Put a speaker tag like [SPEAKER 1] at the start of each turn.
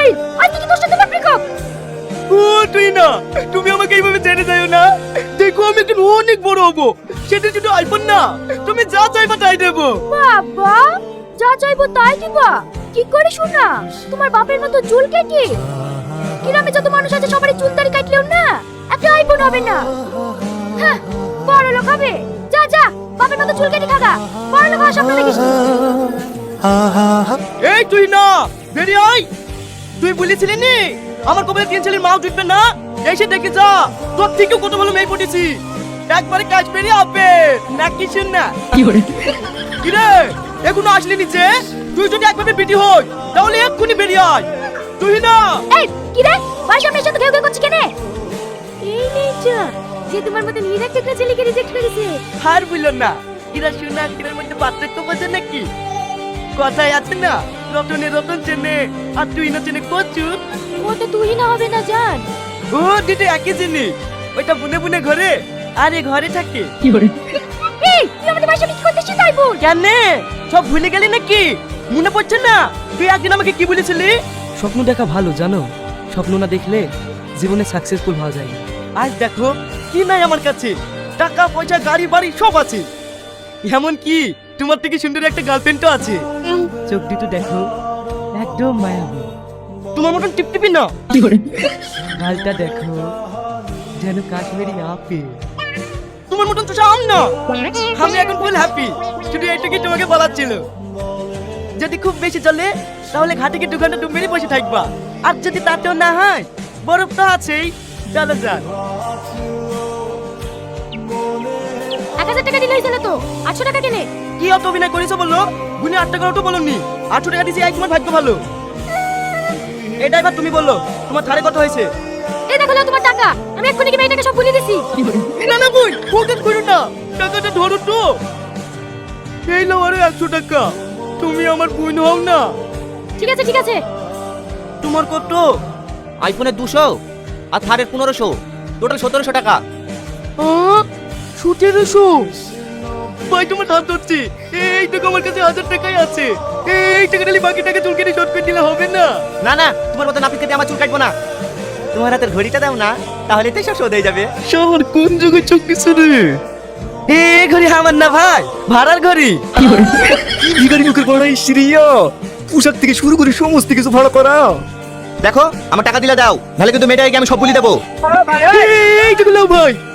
[SPEAKER 1] আজকে কি তোর সাথে আমার ব্রেকআপ?
[SPEAKER 2] ও তুই না, তুমি আমাকে এইভাবে ছেড়ে যাও না। দেখো আমি একদিন অনেক বড় হবো, সেটা শুধু আইফোন না, তুমি যা চাইবা তাই দেবো।
[SPEAKER 1] বাবা, যা চাইবো তাই দিবা? কি করে শোনা? তোমার বাপের মতো চুল কেটে গ্রামে যত মানুষ আছে সবারই চুল দাড়ি কাটলেও না একটা আইফোন হবে না। হ্যাঁ, বড় লোক হবে। যা যা, বাপের মতো চুল কেটে খাগা। বড় লোক হওয়ার স্বপ্ন দেখিস।
[SPEAKER 2] এই তুই না, বেরিয়ে আয়। তুই বলেছিলি নি আমার কপালে তিন ছেলের মাও জুটবে না, এসে দেখে যা, তোর থেকেও কত ভালো মেয়ে পটেছি। একবারে কাজ বেরিয়ে হবে না, কিছু না। কি রে, এখনো আসলি নিচে? তুই যদি একভাবে বিটি হই তাহলে এক্ষুনি বেরিয়ে আয়। তুই না।
[SPEAKER 1] এই কি রে, বাড়ির সামনে এসে তো ঘেউ ঘেউ করছিস কেন? এই নেচা যে তোমার মতন হীরা টেকরা ছেলেকে রিজেক্ট করেছে।
[SPEAKER 2] আর বললো না, কিরা শোনা কিরার মধ্যে পার্থক্য বোঝে নাকি? কথাই আছে না, রতনে রতন চেনে আর তুই না চেনে কচু।
[SPEAKER 1] ওটা তুই না হবে না জান।
[SPEAKER 2] ও দিদি একই জিনিস, ওইটা বুনে বুনে ঘরে আর এ ঘরে থাকে।
[SPEAKER 1] এই তুই আমাদের বাড়ির সামনে কি করতেছিস তাই বল।
[SPEAKER 2] কেন সব ভুলে গেলি নাকি? মনে পড়ছে না তুই একদিন আমাকে কি বলেছিলি?
[SPEAKER 3] স্বপ্ন দেখা ভালো জানো, স্বপ্ন না দেখলে জীবনে সাকসেসফুল হওয়া যায় না।
[SPEAKER 2] আজ দেখো কি নাই আমার কাছে, টাকা পয়সা গাড়ি বাড়ি সব আছে, এমন কি তোমার থেকে সুন্দর একটা গার্লফ্রেন্ডও আছে।
[SPEAKER 3] চোখ দুটো দেখো, একদম মায়াবী।
[SPEAKER 2] তোমার মতন টিপটিপি না।
[SPEAKER 3] গালটা দেখো, যেন কাশ্মীরি আপেল।
[SPEAKER 2] তোমার মতন তো আম না। আমি এখন ফুল হ্যাপি, শুধু এইটুকু তোমাকে বলার ছিল। যদি খুব বেশি চলে তাহলে ঘাটে গিয়ে 2 ঘন্টা ডুব মেরে বসে থাকবা, আর যদি তাতেও না হয় বরফ তো আছেই। চলো যান।
[SPEAKER 1] 1000 টাকা দিলে হইছিল তো, 800 টাকা কেনে।
[SPEAKER 2] কি অত অভিনয় করেছো বলো? গুনে 8 টাকা তো বলনি, 800 টাকা দিয়েছি। এক তোমার ভাগ্য ভালো। এটা এবার তুমি বললো তোমার ধারে কত হয়েছে?
[SPEAKER 1] এই দেখো নাও তোমার টাকা, আমি এক্ষুনি কি মেয়েটাকে সব বলে দিছি।
[SPEAKER 2] না না বই, ফোকাস করো না, টাকাটা ধরো তো। এই নাও আরো 100 টাকা, তুমি আমার বোন হও না।
[SPEAKER 1] ঠিক আছে ঠিক আছে।
[SPEAKER 2] তোমার কত?
[SPEAKER 4] আইফোনের 200 আর থারের 1500, টোটাল 1700 টাকা।
[SPEAKER 2] 1700? ভাই তোমার ধার ধরছি, এই টাকা আমার কাছে 1000 টাকাই আছে। এই টাকা নিলে বাকি টাকা চুল কেটে শর্ট করে দিলে হবে না?
[SPEAKER 4] না না, তোমার মতো নাপিতকে দিয়ে আমার চুল কাটবো না। তোমার হাতের ঘড়িটা দাও না, তাহলে তো সব শোধ হয়ে যাবে।
[SPEAKER 2] শহর কোন যুগে চুক্তিছ রে? এই ঘড়ি আমার না ভাই, ভাড়ার ঘড়ি।
[SPEAKER 5] ভিখারি মুখের পড়া শ্রীয় পোশাক থেকে শুরু করে সমস্ত কিছু ভাড়া করা।
[SPEAKER 4] দেখো আমার টাকা দিলে দাও, নাহলে কিন্তু মেয়েটাকে আমি সব বলি দেবো।
[SPEAKER 2] এই টাকা নাও ভাই।